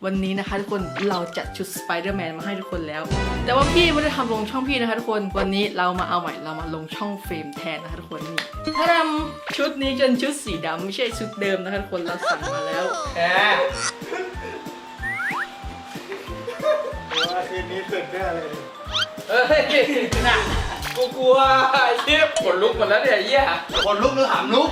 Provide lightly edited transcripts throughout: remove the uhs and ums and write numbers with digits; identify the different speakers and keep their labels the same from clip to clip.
Speaker 1: วันนี้นะคะทุกคนเราจัดชุดสไปเดอร์แมนมาให้ทุกคนแล้วแต่ว่าพี่ไม่ได้ทำลงช่องพี่นะคะทุกคนวันนี้เรามาเอาใหม่เรามาลงช่องเฟรมแทนนะคะทุกคนนี่ถ้าทำชุดนี้เป็นชุดสีดำไม่ใช่ชุดเดิมนะคะทุกคนเราสั่งมาแล้ว
Speaker 2: แหมว่าคืนนี้สุดแน่เลย
Speaker 1: หนัก
Speaker 2: กูกลัวเชี่ยขนลุกหมดแล้วเนี่ยเยี่ยขนลุกหรือหำลุก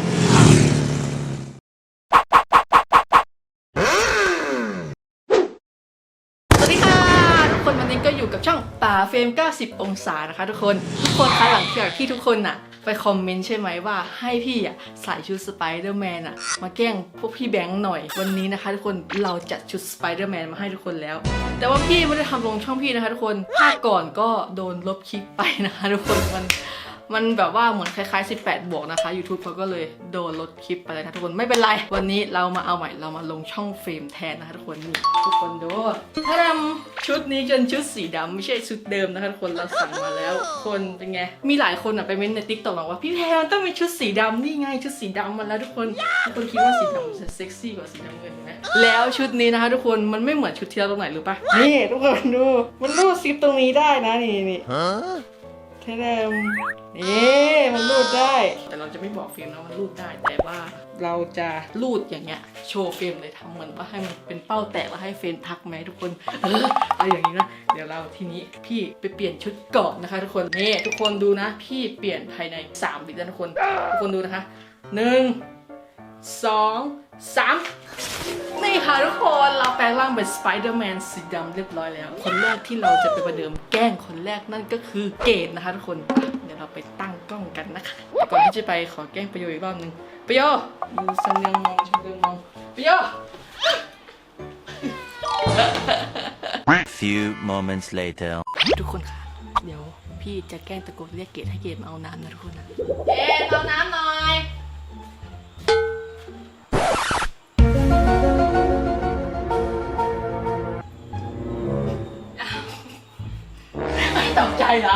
Speaker 1: วันนี้ก็อยู่กับช่องป่าเฟรม90องศานะคะทุกคนคะหลังจากที่ทุกคนน่ะไปคอมเมนต์ใช่ไหมว่าให้พี่อ่ะใส่ชุดสไปเดอร์แมนอ่ะมาแกล้งพวกพี่แบงค์หน่อยวันนี้นะคะทุกคนเราจัดชุดสไปเดอร์แมนมาให้ทุกคนแล้วแต่ว่าพี่ไม่ได้ทำลงช่องพี่นะคะทุกคนภาคก่อนก็โดนลบคลิปไปนะคะทุกคนมันแบบว่าเหมือนคล้ายๆ18 บวกนะคะ YouTube เขาก็เลยโดนลดคลิปไปเลยนะทุกคนไม่เป็นไรวันนี้เรามาเอาใหม่เรามาลงช่องเฟรมแทนนะคะทุกคนนี่ทุกคนดูถ้าทำชุดนี้เป็นชุดสีดำไม่ใช่ชุดเดิมนะคะทุกคนเราสั่งมาแล้วคนเป็นไงมีหลายคนอ่ะไปเม้นใน TikTok บอกว่าพี่แพรมันต้องมีชุดสีดำนี่ไงชุดสีดำมาแล้วทุกคนคิดว่าสีดำจะเซ็กซี่กว่าสีน้ำเงินไหมแล้วชุดนี้นะคะทุกคนมันไม่เหมือนชุดที่เราตรงไหนหรือปะนี่ทุกคนดูมันรูดซิปตรงนี้ได้นะนี่แท้มันรูดได้แต่เราจะไม่บอกเฟรมนะว่ารูดได้แต่ว่าเราจะรูดอย่างเงี้ยโชว์เฟรมเลยทำเหมือนว่าให้มันเป็นเป้าแตกแล้วให้เฟรมทักไหมทุกคนอะไรอย่างนี้นะเดี๋ยวเราทีนี้พี่ไปเปลี่ยนชุดก่อนนะคะทุกคนนี่ทุกคนดูนะพี่เปลี่ยนภายใน3 วินะทุกคนดูนะคะ1 2 3นี่ค่ะทุกคนเราแปลงร่างเป็นสไปเดอร์แมนสีดำเรียบร้อยแล้วคนแรกที่เราจะไปประเดิมแกล้งคนแรกนั่นก็คือเกดนะคะทุกคนเดี๋ยวเราไปตั้งกล้องกันนะคะก่อนที่จะไปขอแกล้งประโยชน์อีกรอบนึงประโยชน์ดูสำเนียงมองประโยชน์
Speaker 3: Few moments later
Speaker 1: ทุกคนค่ะเดี๋ยวพี่จะแกล้งตะโกนเรียกเกดให้เกดมาเอาน้ำนะทุกคนนะเอาน้ำหน่อยตกใจเหรอ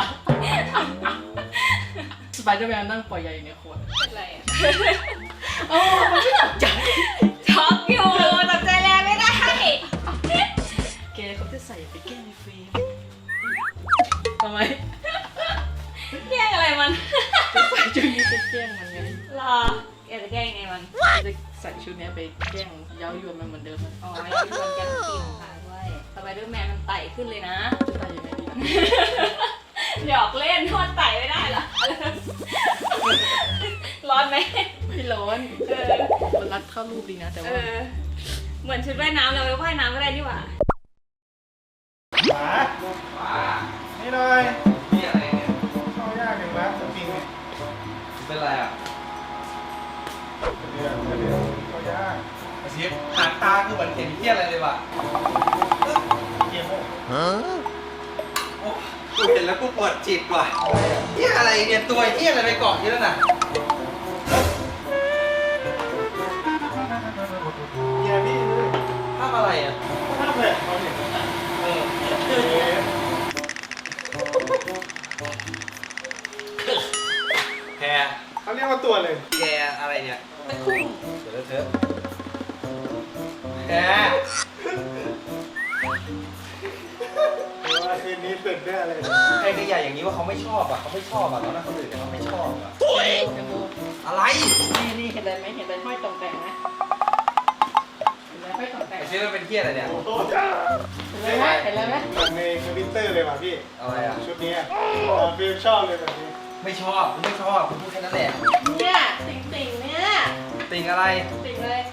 Speaker 1: สไปเดอร์แมนนั่งปล่อยใหญ่ในขวดเป็นไรอ่ะมันไม่ตกใจ
Speaker 4: ช็อกอยู่ตกใจแรงไม่ได้
Speaker 1: แกเขาจะใส่ไปแกล้งในเฟรมทำไม
Speaker 4: แกล้งอะไรมัน
Speaker 1: จะใส่ชุดนี้ไปแกล้งมันไง
Speaker 4: รอแกจะแกล้งไงมัน
Speaker 1: จะใส่ชุดนี้ไปแกล้งเย้ายวนมันเหมือนเดิม
Speaker 4: อ๋อเย้ายวนแกต้องกินค่ะด้วยสไปเดอร์แมนมันไต่ขึ้นเลยนะ
Speaker 1: จะไต่ยังไงดี
Speaker 4: หยอกเล่นทอดไต่ไม่ได้เหรอร้อนไหม
Speaker 1: ไม่ร้อนมันรัดเข้ารูปดีนะแต่ว่า
Speaker 4: เหมือนชุดว่ายน้ำเราไปว่ายน้ำก็ได้นี่หว่า
Speaker 2: นี่หน่อยนี่อะไรเนี่ยเข้ายากอย่างนะสปริงเนี่ยเป็นไรอ่ะเดือดเข้ายากอาชีพหางตาคือเหมือนเห็นเที่ยอะไรเลยว่ะเที่ยโม่กูเห็นแล้วกูปวดจิตว่ะเที่ยอะไรเนี่ยตัวเที่ยอะไรไปเกาะที่นั่นน่ะเที่ยพี่ทำอะไรอ่ะทำเลยเขาเนี่ยแพรเขาเรียกว่าตัวเลยแกอะไรเนี่ยตะคุ่มเดี๋ยวเถอะแพรว่าคืนนี้สุดแน่เลยใครใหญ่อย่างนี้ว่าเขาไม่ชอบอ่ะเขาไม่ชอบอ่ะแล้วนะคนอื่นเขาไม่ชอบอ่ะอะไร
Speaker 1: นี่เห็นอะไรไหมเห็นอะไรห้อยตรงแต่งไหมเห็นอะไรห้อยตรงแต่ง
Speaker 2: ไอ้ชื่อมันเป็นเที่ยอะไรเนี่ย
Speaker 1: เห็นอะไรไหมเห็นอะไรไหม
Speaker 2: ในทวิตเตอร์เลยว่ะพี่อะไรอ่ะชุดนี้ฟิลชอบเลยแบบนี้ไม่ชอบคุณพูดแค่นั้นแหละ
Speaker 1: เนี่ยติ่งเนี่ย
Speaker 2: ติ่งอะไร
Speaker 1: ติ่งเลย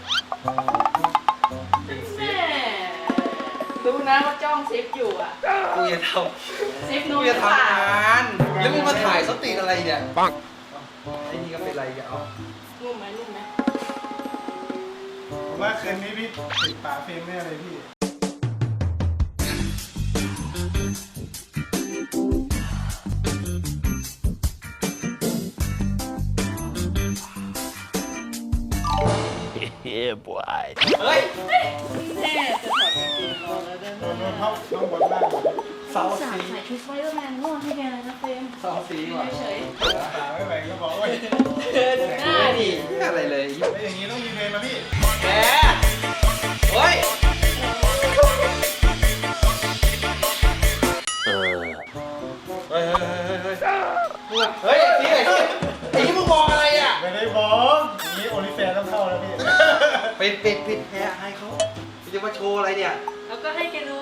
Speaker 1: ดูนะว่าจ้องเซฟอยู่อ่ะ
Speaker 2: กูจะทำ
Speaker 1: เซฟนู้น
Speaker 2: จะทำงานแล้วมึงมาถ่ายสติอะไรเนี่ยปังไอ้นี่ก็เป็นไรอย่าเอา
Speaker 1: นุ่มไหม
Speaker 2: ผมว่าคืนนี้พี่ติดป่าเฟรมแน่เลยพี่เฮ้ย
Speaker 1: แน่จะถอดกางเกงรอแล้วได้ไหม
Speaker 2: น้องบนบ้านเสาสี
Speaker 1: ใส่ชุดสไปเดอร์แมนง่วงให้แกเลยนะเฟรม
Speaker 2: เสาสีว่ะ
Speaker 1: เฉย
Speaker 2: ไม่ไหวก็บอกว่า
Speaker 1: ดูหน้าดิ
Speaker 2: อะไรเลยไม่อย่างนี้ต้องมีเพลงนะพี่แกเฮ้ยปิดแพ้ให้เขาจะมาโชว์อะไรเนี่ย
Speaker 1: แล้วก็ให้แกดู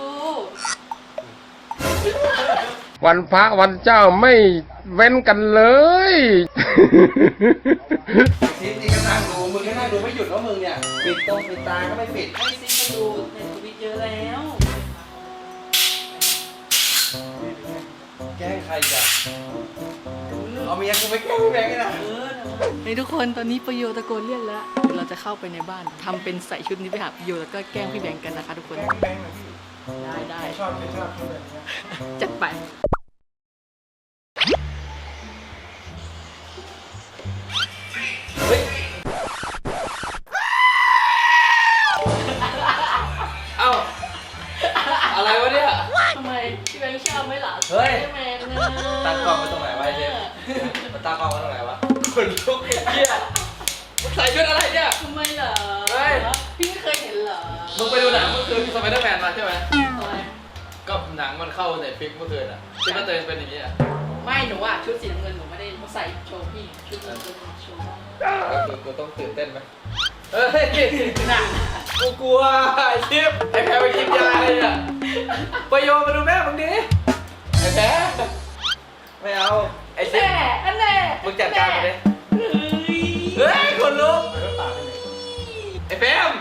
Speaker 5: วันพระวันเจ้าไม่เว้นกันเลย
Speaker 2: ซิปนี่ก็นั่งดูมึงก็นั่งดูไม่หยุดแล้วมึงเนี่ยปิดตาก็ไม่ปิด
Speaker 1: ให้ซิมาดูในทวิตเยอะแล้ว
Speaker 2: แกล้งใครอ่ะเอาเมียกูไปแกล้งพี่แบงค์นะ
Speaker 1: นี่ทุกคนตอนนี้ประโยชน์ตะโกนเรียกแล้วเดี๋ยวเราจะเข้าไปในบ้านทำเป็นใส่ชุดนี้ไปหาประโยชน์แล้วก็แกล้งพี่แบงค์กันนะคะทุกคน
Speaker 2: แกล้งพี่แบงค์หน่อยพี่
Speaker 1: ได้
Speaker 2: ชอบชุดแบบนี้
Speaker 1: จัดไป
Speaker 2: เอ้าอะไรวะเนี่ย
Speaker 1: ทำไมพี่แบงค์ชอบไหมล่ะ
Speaker 2: เฮ้ย
Speaker 1: แมนเน
Speaker 2: ตั้งกล้องไว้ตรงไหนวะไอ้เจมมันตั้งกล้องไว้ตรงไหนวะคนลุกไอ้เหี้ยมึงใส่ชุดอะไรเนี่ย
Speaker 1: ทำไมเหรอ
Speaker 2: เฮ้ย
Speaker 1: พี่ไม่เคยเห็นเหรอ
Speaker 2: มึงไปดูหนังเมื่อคืนสไปเดอร์แมนมาใช่ไหม
Speaker 1: ทำไม
Speaker 2: ก็หนังมันเข้าในฟิกเมื่อคืนอ่ะที่มันเป็นอย่างนี้อ่ะ
Speaker 1: ไม่หนูอะชุดสีน้ำเงินหนูไม่ได้ใส่โชว์พี่ชุดสีน้ำเงินโชว์
Speaker 2: ก็คือกูต้องตื่นเต้นไหมเฮ้ย
Speaker 1: หนัก
Speaker 2: กูกลัวไอ้ชิปไอ้แพ้ไปกินยาเลยอ่ะไปโยมาดูแม่มึงดิไอ้แพ้ไม่เอาไอ้ชิป
Speaker 1: แน่อันแน่
Speaker 2: มึงจัดการมาดิ
Speaker 1: เฮ้ย
Speaker 2: เฮ้ยคนลุกไอ้แฟม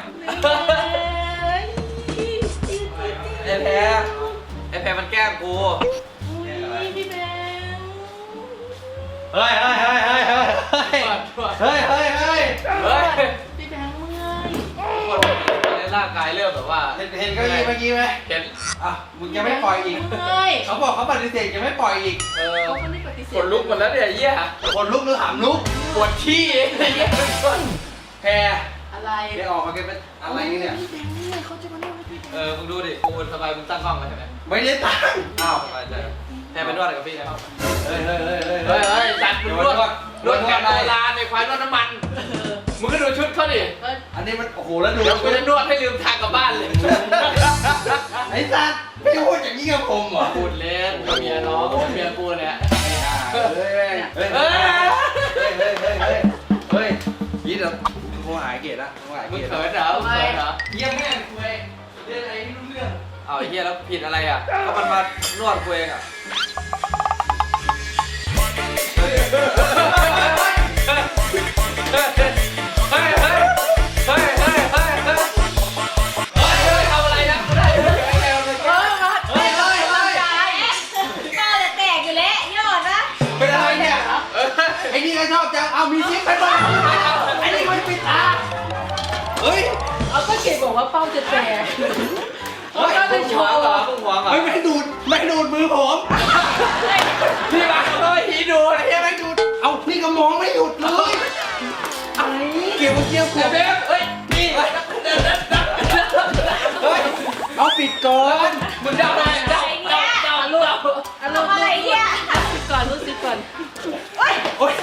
Speaker 2: ไอ้แพ้ไอ้แพ้มันแกล้งกู
Speaker 1: พี่แบงค์
Speaker 2: เฮ้ยเฮ้ยเฮ้ยเฮ้ยเฮ้ยเฮ้ยเฮ้ยเฮ้ยเฮ้ย
Speaker 1: พี่แบงค์เมื่อย
Speaker 2: คนในร่างกายเริ่มแบบว่าเห็นเก้าอี้เมื่อกี้ไหมเห็นอ่ะมึงยังไม่ปล่อยอีก
Speaker 1: เมื่อย
Speaker 2: เขาบอกเขาปฏิเสธยังไม่ปล่อยอีก
Speaker 1: เขาไม่ได้ปฏิเสธ
Speaker 2: ขนลุกหมดแล้วเนี่ยเยี่ยขนลุกหรือหามลุกปวดขี้ไอ้เหี้ยแพร
Speaker 1: อะไร
Speaker 2: แกออกมาแกเป็นอะไรเนี่ย
Speaker 1: พี่แบงค์เมื่อยเขาจะมาเล่าให้พี่แบงค์
Speaker 2: มึงดูดิกูสบายมึงตั้งกล้องไว้ใช่ไหมไม่ได้ตั้งอ้าวสบายใจแพรไปนวดอะไรกับพี่นะครับเฮ้ยเฮ้ยเฮ้ยเฮ้ยเฮ้ยจัดมึงนวดแบบโบราณในควายนวดน้ำมันมึงก็ดูชุดเขาดิอันนี้มันโอ้โหแล้วดูเดี๋ยวกูจะนวดให้ลืมทางกลับบ้านเลยไอ้สัตว์ไม่พูดอย่างนี้กับผมเหรอพูดเล่นกับเมียน้องเมียกูเนี่ยเฮ้ยเฮ้ยเฮ้ยเฮ้ยเฮ้ยยี่เดี๋ยวโทรหาเกดละโทรหาเกดมึงเขินเหรอมึงเขินเหรอเยี่ยมแม่คุยเรื่องอะไรไม่รู้เรื่องเอาไอ้เหี้ยแล้วผิดอะไรอ่ะก็มันมานวดกูเองอ่ะไอ้นี่ก็ชอบจังเอามีซิปไปบ้างไอ้นี่มันปิดตาเฮ้ย
Speaker 1: เอาก็เขียนบอกว่าเป้าจะแตก
Speaker 2: เฮ้ยมึงหวงเหรอมึงหวงเหรอไม่ดูดมือผมพี่มาขโมยผีดูอะไรเงี้ยไม่ดูดเอาพี่ก็มองไม่หยุดเลยเกี่ยวเกี่ยวกูเฮ้ยนี่เฮ้ยเอาปิดก่อนมึงเดาได้เดาลูก
Speaker 1: อะไรเนี่ยซิปก่อนรู้ซิปก่อน
Speaker 2: โอ้ยเฮ้ย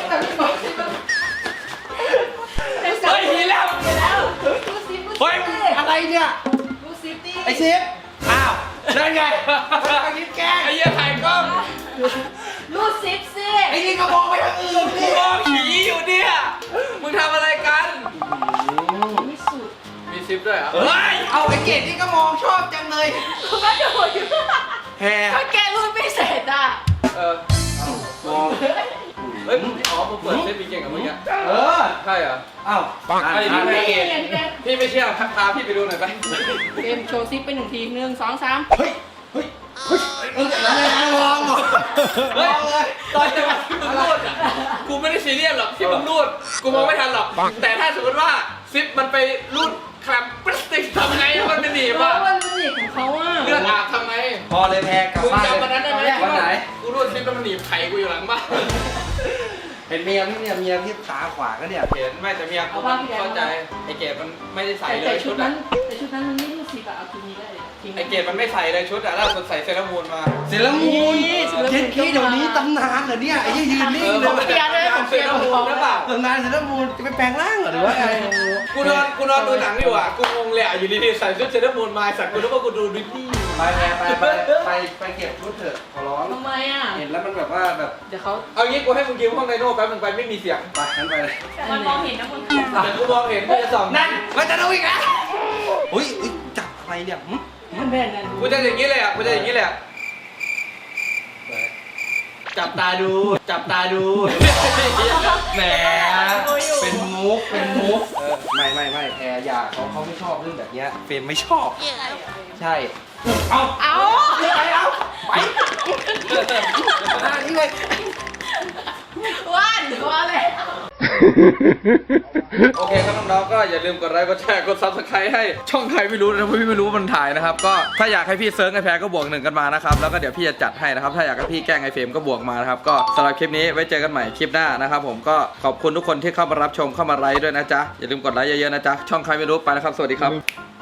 Speaker 2: หีแล้ว
Speaker 1: รู้ซิป
Speaker 2: เฮ้ยอะไรเนี่ย
Speaker 1: รู้ซิปดิ
Speaker 2: ไอซิปอ้าวนั่นไงไอ้ยิ้มแกไอ้เหี้ยถ่ายกล้อง
Speaker 1: รู้ซิปสิ
Speaker 2: ไอ้นี่ก็มองไปทางอื่นดิมองผีอยู่เนี่ยมึงทำอะไรกัน
Speaker 1: มีสุด
Speaker 2: มีซิปด้วยเหรอเฮ้ยเอาไอ้เกดนี่ก็มองชอบจังเลย
Speaker 1: ก็โดดอยู่
Speaker 2: แฮ
Speaker 1: ถ้าแกรู้ไม่เสร็จอ่ะ
Speaker 2: มองเฮ้ยมึงมึงเปิดเล่นปีเก่งกับมึงอ่ะใช่เหรออ้าวไอ้พี่ไม่เกดพี่ไม่เชื่อพาพี่ไปดูหน่อยไป
Speaker 1: เกมโชว์ซิปไป1 ที 1 2 3
Speaker 2: เฮ้ยแล้วไม่นั่งมองเหรอเฮ้ยตอนที่มึงรูดอ่ะกูไม่ได้ซีเรียสหรอกที่มึงรูดกูมองไม่ทันหรอกแต่ถ้าสมมติว่าซิปมันไปรูดแคลมพลาสติกทำไงมันเป็นหนีบ
Speaker 1: เพราะ
Speaker 2: อ่ะ
Speaker 1: ว่ามันหนีบของเขาอ่ะ
Speaker 2: เลือดอาบทำไงพอเลยแพ้กลับบ้านมึงจำวันนั้นได้ไหมวันไหนกูรูดซิปแล้วมันหนีบไข่กูอยู่หลังบ้านเห็นเมียพี่เนี่ยเมียที่ขาขวาก็เนี่ยเห็นไม่แต่เมียกูเข้าใจไอ้เกดมันไม่ได้ใส่เลย
Speaker 1: แต่ชุดนั้นมันไม่รู้ซิปก็เอาทีนี้ได้ทิ้ง
Speaker 2: ไอเกดมันไม่ใส่เลยชุดอะล่าสุดใส่เซรามูนมา
Speaker 6: เซรามูน
Speaker 1: เซรามูน
Speaker 6: เจ็ดขี้เดี๋ยวนี้ตำนานเหรอเนี่ยไอ้ยี่ยืนนิ่งเลย
Speaker 1: ของเปียด้วยของเปียของเขา
Speaker 2: หรือเปล่า
Speaker 6: ตำนานเซรามูนจะไปแปลงร่างเหรอหรือว่าไง
Speaker 2: กูนอนดูหนังอยู่อ่ะกูงงเลยอ่ะอยู่ดีๆใส่ชุดเซรามูนมาสัตว์กูนึกว่ากูดูดิสนีย์
Speaker 6: ไปเก็บชุดเถอะขอร้อง
Speaker 1: ทำไมอ่ะ
Speaker 6: เห็นแล้วมันแบบว่าแบบ
Speaker 1: เดี๋ยวเขา
Speaker 2: เอางี้กูให้มึงยืมห้องไดโน่แป๊บนึงไปไม่มีเสียง
Speaker 6: ไปงั้นไปเลย
Speaker 4: แต่มันมองเห็นนะมึง
Speaker 2: แต่กูมองเห็นกูจะส่อง
Speaker 6: นั่นมันจะดูอีกแล้วอุ้ยจับอะไรเนี่ยหึ
Speaker 1: มันแบ่งกัน
Speaker 2: กูจะอย่างนี้เลยอ่ะกูจะอย่างนี้เลยอ่ะจับตาดูแหม
Speaker 6: เป็นมุกไม่แพรอย่าเขาไม่ชอบเรื่องแบบเนี้ยเฟรมไม่ชอบใช่
Speaker 1: เอา
Speaker 6: นี่เลย
Speaker 1: ว่านว่าเลย
Speaker 2: โอเคครับน้องๆก็อย่าลืมกดไลค์กดแชร์กด Subscribe ให้ช่องใครไม่รู้นะเพราะพี่ไม่รู้ว่ามันถ่ายนะครับก็ถ้าอยากให้พี่เซิร์ฟไอแพรก็บวก1กันมานะครับแล้วก็เดี๋ยวพี่จะจัดให้นะครับถ้าอยากให้พี่แกล้งไอเฟรมก็บวกมานะครับก็สำหรับคลิปนี้ไว้เจอกันใหม่คลิปหน้านะครับผมก็ขอบคุณทุกคนที่เข้ามารับชมเข้ามาไลค์ด้วยนะจ๊ะอย่าลืมกดไลค์เยอะๆนะจ๊ะช่องใครไม่รู้ไปแล้วครับสวัสดีครับ